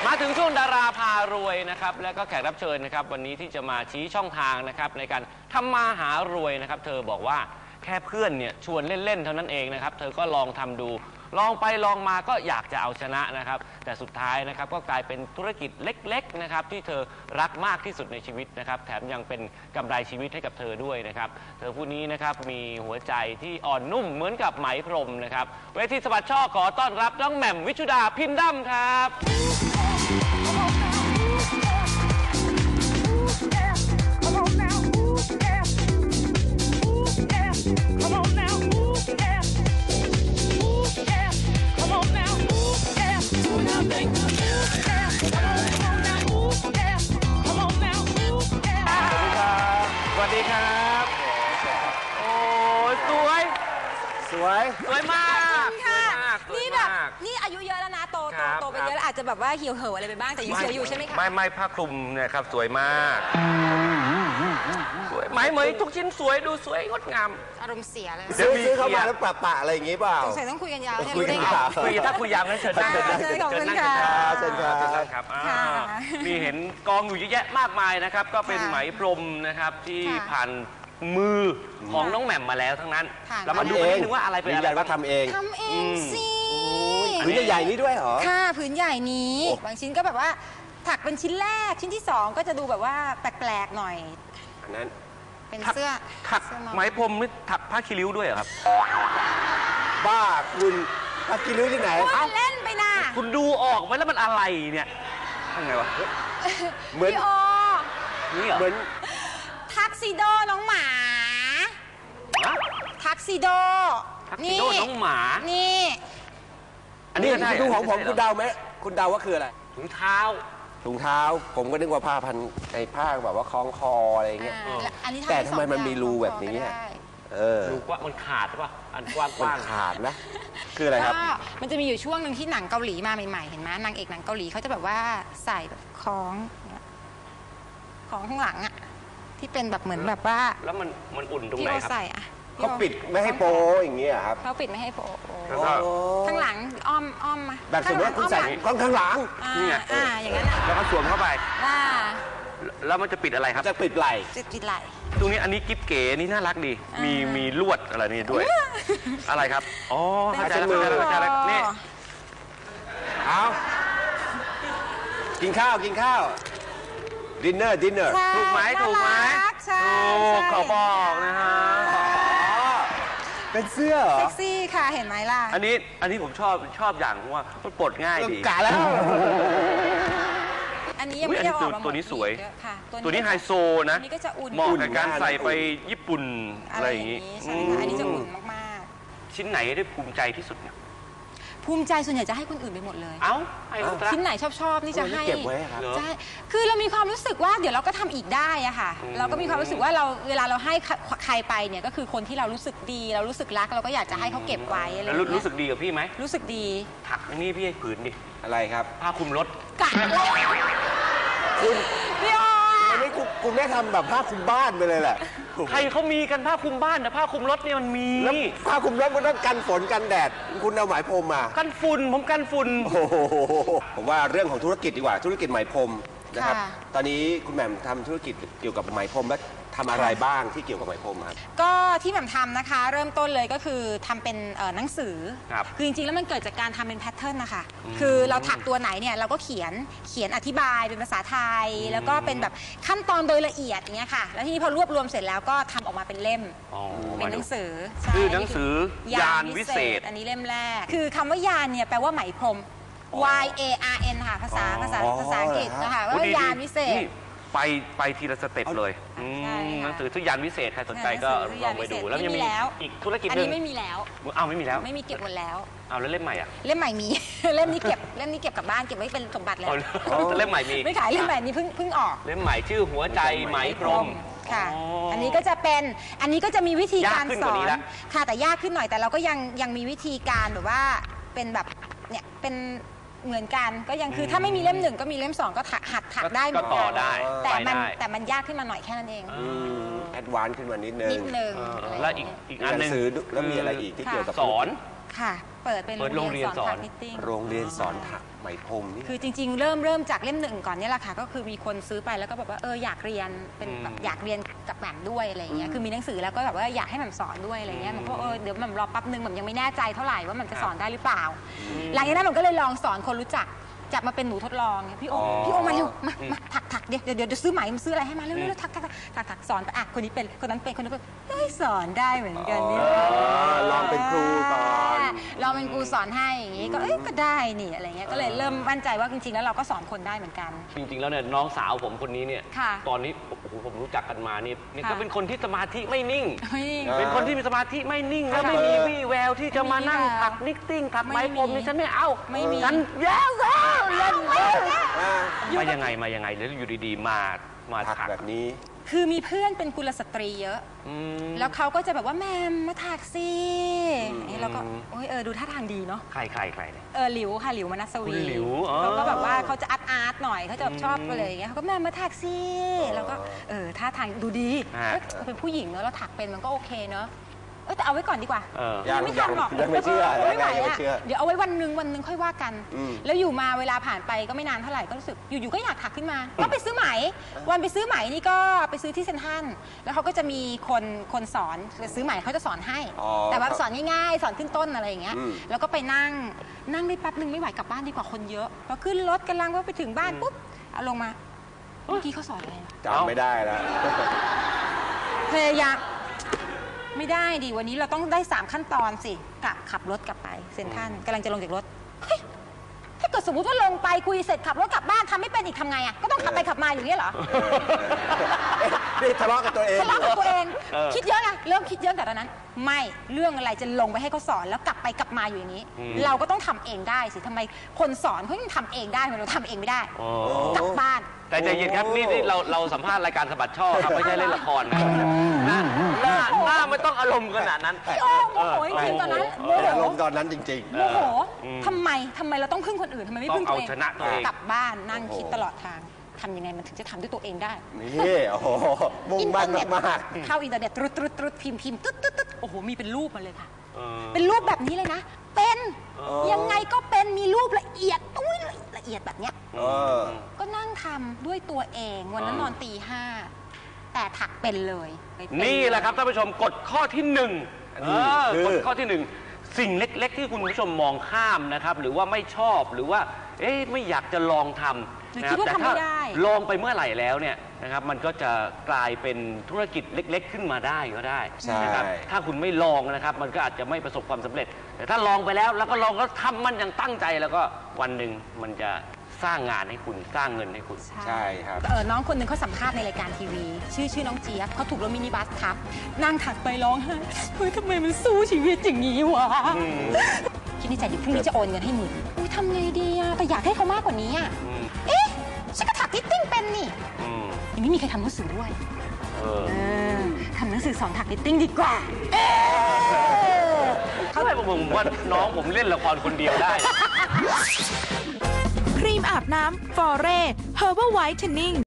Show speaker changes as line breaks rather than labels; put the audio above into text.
มาถึงช่วงดาราพารวยนะครับและก็แขกรับเชิญนะครับวันนี้ที่จะมาชี้ช่องทางนะครับในการทำมาหารวยนะครับเธอบอกว่าแค่เพื่อนเนี่ยชวนเล่นๆเท่านั้นเองนะครับเธอก็ลองทำดูลองไปลองมาก็อยากจะเอาชนะนะครับแต่สุดท้ายนะครับก็กลายเป็นธุรกิจเล็กๆนะครับที่เธอรักมากที่สุดในชีวิตนะครับแถมยังเป็นกำไรชีวิตให้กับเธอด้วยนะครับเธอผู้นี้นะครับมีหัวใจที่อ่อนนุ่มเหมือนกับไหมพรมนะครับเวทีสะบัดช่อขอต้อนรับน้องแหม่มวิชุดาพินดัมครับสวัสดีครับโอ้ยสวยมาก
ค่ะนี่แบบนี่อายุเยอะแล้วนะโตไปเยอะแล้วอาจจะแบบว่าเหี่ยวเห่ออะไรไปบ้างแต่ยังสวยอยู่ใช่ไหมคะ
ไม่ผ้าคลุมเนี่ยครับสวยมากสวยไหมเหมยทุกชิ้นสวยดูสวยงดงาม
อารมณ์เสียเลย
ซื้อเข้ามาแล้วปะอะไรอย่างงี้เปล่า
สงสัยต้องคุยกันยาว
คุยกันยาว
ถ้าคุยยาวงั้นเชิญนั่ง
ขอบคุณค่ะ
เชิญ
ครับนี่เห็นกองอยู่เยอะแยะมากมายนะครับก็เป็นไหมพรมนะครับที่ผ่านมือของน้องแหม่มมาแล้วทั้งนั้นเรามาดูกันนิดนึงว่าอะไรเป็นอะไร
ว่าทำเอง
สิ
ผืนใหญ่ๆนี้ด้วยเหรอ
ค่ะผืนใหญ่นี้บางชิ้นก็แบบว่าถักเป็นชิ้นแรกชิ้นที่2ก็จะดูแบบว่าแปลกๆหน่อย
อันนั้น
เป็นเสื้อ
ถักไหมพรมนี่ถักผ้าคีริ้วด้วยเหรอครับ
บ้าคุณผ้าคีริ้วที่ไหน
เล่นไปนะ
คุณดูออกไหมแล้วมันอะไรเนี่ยยังไงวะ
เหมือน
นี่เหรอ
เหมือนทักซิโดน้องหมาทักซิโด
น้องหมา
นี่
อันนี้ดูของผมคุณเดาไหมคุณเดาว่าคืออะไร
ถุงเท้า
ผมก็นึกว่าผ้าพันไอ้ผ้าแบบว่าคล้องคออะไรเงี้ยแต่ทำไมมันมีรูแบบนี้
รูกว่ามันขาดป่ะอันกว้าง
มันขาดนะคืออะไรครับ
มันจะมีอยู่ช่วงหนึ่งที่หนังเกาหลีมาใหม่ๆเห็นไหมนางเอกหนังเกาหลีเขาจะแบบว่าใส่แบบคล้องข้างหลังอ่ะที่เป็นแบบเหมือนแบบว่า
แล้วมันอุ่นตรงไหนครับ
ใส่อะ
เขาปิดไม่ให้โปอย่างเงี้ยครับ
เขาปิดไม่ให้โปข้างหลังอ้อมมา
แบบสมมติว่าคุณใส่ข้างหลัง
นี่ไง
อย่างนั้น
แล้วก็สวมเข้าไปแล้วมันจะปิดอะไรครับ
จะปิดไหล่
ตรงนี้อันนี้กิ๊บเก๋นี่น่ารักดีมีลวดอะไรนี่ด้วยอะไรครับอ๋อเข้าใจแล้วนี่
เอากินข้าวดินเนอร์
ถูกไหมขอบอกนะฮะ
เป็นเสื้อ
เซ็กซี่ค่ะเห็นไหมล่ะ
อันนี้ผมชอบอย่างว่ามันปลดง่ายดี
กะแล้ว
อันนี้ยังไม่ได้ออกมา
ตัวนี้สวยตัวนี้ไฮโซนะเหมาะกับการใส่ไปญี่ปุ่นอะไรอย่างนี้
ใช่ค่ะอันนี้จะอุ่นมาก
ๆชิ้นไหนได้ภูมิใจที่สุดเนี่ย
ภูมิใจส่วนใหญ่จะให้คนอื่นไปหมดเลยชิ้นไหนชอบนี่จะให้
เก็บไว้ครับ
ใช่คือเรามีความรู้สึกว่าเดี๋ยวเราก็ทำอีกได้อะค่ะเราก็มีความรู้สึกว่าเวลาเราให้ใครไปเนี่ยก็คือคนที่เรารู้สึกดีเรารู้สึกรักเราก็อยากจะให้เขาเก็บไว้อะไร
แล้วรู้สึกดีกับพี่ไหม
รู้สึกดี
ถักนี่พี่ให้ผืนดิ
อะไรครับ
ผ้าคลุมรถ
กัด
คุณ
พี่อ๋อ
อันนี้คุณไม่ทำแบบผ้าคลุมบ้านไปเลยแหละ
ใครเขามีกันผ้าคลุมบ้านแต่ผ้าคลุมรถเนี่ยมันมี
ผ้าคลุมรถมันต้องกันฝนกันแดดคุณเอาไหมพรมมา
กันฝุ่นผมกันฝุ่น
ผมว่าเรื่องของธุรกิจดีกว่าธุรกิจไหมพรมนะครับตอนนี้คุณแหม่มทำธุรกิจเกี่ยวกับไหมพรมและทำอะไรบ้างที่เกี่ยวกับไหมพรมครับ
ก็ที่แหม่มทำนะคะเริ่มต้นเลยก็คือทำเป็นหนังสือคือจริงๆแล้วมันเกิดจากการทำเป็นแพทเทิร์นนะคะคือเราถักตัวไหนเนี่ยเราก็เขียนอธิบายเป็นภาษาไทยแล้วก็เป็นแบบขั้นตอนโดยละเอียดอย่างเงี้ยค่ะแล้วทีนี้พอรวบรวมเสร็จแล้วก็ทำออกมาเป็นเล่มเป็นหนังสือ
คือหนังสือยานวิเศษ
อันนี้เล่มแรกคือคำว่ายานเนี่ยแปลว่าไหมพรมYARN ค่ะภาษาอังกฤษนะคะว่ายานวิเศษ
ไปทีละสเต็ปเลยหนังสือทุกยานวิเศษใครสนใจก็ลองไปดูแล้วยังมีอีกธุรกิจนึง
อันนี้ไม่มีแล้ว
ไม่มีแล้ว
ไม่มีเก็บหมดแล้ว
แล้วเล่มใหม่
เล่มใหม่มีเล่มนี้เก็บกลับบ้านเก็บไว้เป็นสมบัติแล้ว
เล่มใหม่มี
ไม่ขายเล่มใหม่นี้เพิ่งออก
เล่มใหม่ชื่อหัวใจไหมพรม
ค่ะอันนี้ก็จะมีวิธีการสอนค่ะแต่ยากขึ้นหน่อยแต่เราก็ยังมีวิธีการแบบว่าเป็นแบบเนี่ยเป็นเหมือนกันก็ยังคือถ้าไม่มีเล่ม1ก็มีเล่ม2ก็หัดถักได้
ก็ต่อได้
แต่มันยากขึ้นมาหน่อยแค่นั้นเอง
แอดวานซ์ขึ้นมานิดนึง
แล้วอีกอันนึง
แล้วมีอะไรอีกที่เกี่ยวกับ
สอน
ค่ะ เปิดเป็นโรงเรียนสอนถักนิตติ้ง
โรงเรียนสอนถักไหมพรมนี่
คือจริงๆ เริ่มจากเล่มหนึ่งก่อนเนี่ยแหละค่ะก็คือมีคนซื้อไปแล้วก็แบบว่าอยากเรียนเป็นแบบอยากเรียนกับแหม่มด้วยอะไรอย่างเงี้ยคือมีหนังสือแล้วก็แบบว่าอยากให้แหม่มสอนด้วยอะไรเงี้ยมันก็เดี๋ยวแหม่มรอแป๊บนึงแหม่มยังไม่แน่ใจเท่าไหร่ว่าแหม่มจะสอนได้หรือเปล่าหลังจากนั้นแหม่มก็เลยลองสอนคนรู้จักจับมาเป็นหนูทดลองพี่โอมาเร็วมาถักเดี๋ยวซื้อไหมมันซื้ออะไรให้มาเร็วถักสอนไปคนนี้เป็นคนนั้นเป็นคนนั้นเป็นสอนได้เหมือนกันนี่
ลองเป็นครูก่อน
ลองเป็นครูสอนให้อย่างงี้ก็ได้นี่อะไรเงี้ยก็เลยเริ่มมั่นใจว่าจริงๆแล้วเราก็สอนคนได้เหมือนกัน
จริงๆแล้วเนี่ยน้องสาวผมคนนี้เนี่ยตอนนี้โอ้โหผมรู้จักกันมานี่ก็เป็นคนที่สมาธิไม่นิ่งเป็นคนที่มีสมาธิไม่นิ่งแล้วไม่มีวี่แววที่จะมานั่งถักนิตติ้งถักไหมพรมนี่ฉันไม่เอาฉันแย่เล่นมายังไงแล้วอยู่ดีๆมาถัก
แบบนี้
คือมีเพื่อนเป็นกุลสตรีเยอะแล้วเขาก็จะแบบว่าแม่มาถักสิแล้วก็ดูท่าทางดีเนาะ
ใครเนี่ย
หลิวค่ะหลิวมนัสวี
หลิว
เขาก็แบบว่าเขาจะอาร์ตหน่อยเขาจะชอบอะไรอย่างเงี้ยเขาก็แม่มาถักสิแล้วก็ท่าทางดูดีเป็นผู้หญิงเนอะเราถักเป็นมันก็โอเคเนอะแต่เอาไว้ก่อนดีกว่า
ยัง
ไม่ทำหรอก
ยังไม่เชื่อ
ไม่ไหวอ่ะเดี๋ยวเอาไว้วันหนึ่งค่อยว่ากันแล้วอยู่มาเวลาผ่านไปก็ไม่นานเท่าไหร่ก็รู้สึกอยู่ๆก็อยากถักขึ้นมาก็ไปซื้อไหมวันไปซื้อไหมนี่ก็ไปซื้อที่เซ็นทรัลแล้วเขาก็จะมีคนสอนซื้อไหมเขาจะสอนให้แต่ว่าสอนง่ายๆสอนขึ้นต้นอะไรอย่างเงี้ยแล้วก็ไปนั่งได้แป๊บนึงไม่ไหวกลับบ้านดีกว่าคนเยอะพอขึ้นรถกำลังว่าไปถึงบ้านปุ๊บเอาลงมาเมื่อกี้เขาสอนอะไร
จำไม่ได้แล้ว
พยายามไม่ได้ดิวันนี้เราต้องได้3ขั้นตอนสิขับรถกลับไปเซ็นทรัลกำลังจะลงจากรถถ้าเกิดสมมติว่าลงไปคุยเสร็จขับรถกลับบ้านทำไม่เป็นอีกทำไงอ่ะก็ต้องขับไปขับมาอย่างนี้เหรอ
นี่ทะเลาะกับตัวเอง
คิดเยอะนะเริ่มคิดเยอะแต่ตอนนั้นไม่เรื่องอะไรจะลงไปให้เขาสอนแล้วกลับไปกลับมาอยู่อย่างนี้เราก็ต้องทำเองได้สิทำไมคนสอนเขายังทำเองได้เราทำเองไม่ได้กลับบ้าน
แต่ใจเย็นครับนี่เราสัมภาษณ์รายการสะบัดช่อครับไม่ใช่เล่นละครนะหน้าไม่ต้องอารมณ์ขนาดนั้น
โมโหจริงตอนนั้น
อารมณ์ตอนนั้นจริง
ๆโมโหทำไมเราต้องพึ่งคนอื่นทำไมไม่พึ่งตัวเองกลับบ้านนั่งคิดตลอดทางทำยังไงมันถึงจะทำด้วยตัวเองได้
นี่โอ้โหมุ่งมั่นมาก
เข้าอินเทอร์เน็ตตรุดพิมพ์ตึ๊ดโอ้โหมีเป็นรูปมาเลยค่ะเป็นรูปแบบนี้เลยนะเป็นยังไงก็เป็นมีรูปละเอียดละเอียดแบบเนี้ยก็นั่งทำด้วยตัวเองวันนั้นนอนตี 5แต่ถักเป็นเลย
นี่แหละครับท่านผู้ชมกฎข้อที่1กฎข้อที่1สิ่งเล็กๆที่คุณผู้ชมมองข้ามนะครับหรือว่าไม่ชอบหรือว่าไม่อยากจะลองทำ
นะครับแต่ถ้า
ลองไปเมื่อไหร่แล้วเนี่ยนะครับมันก็จะกลายเป็นธุรกิจเล็กๆขึ้นมาได้ก็ได้นะครับถ้าคุณไม่ลองนะครับมันก็อาจจะไม่ประสบความสำเร็จแต่ถ้าลองไปแล้วก็ลองก็ทำมันอย่างตั้งใจแล้วก็วันหนึ่งมันจะสร้างงานให้คุณสร้างเงินให้คุณ
ใช่ครับ
น้องคนหนึ่งเขาสัมภาษณ์ในรายการทีวีชื่อน้องเจี๊ยบเขาถูกรถมินิบัสทับนั่งถักไปร้องไห้เฮ้ยทำไมมันสู้ชีวิตอย่างนี้วะคิดในใจอยู่พรุ่งนี้จะโอนเงินให้10,000ทำไงดีอะแต่อยากให้เขามากกว่านี้อะฉันก็ถักนิตติ้งเป็นนี่ยังไม่มีใครทำหนังสือด้วยทำหนังสือสอนถักนิตติ้งดีกว่า
เขาเลยบอกผมว่าน้องผมเล่นละครคนเดียวได้
ครีมอาบน้ำฟอเร่ Herbal Whitening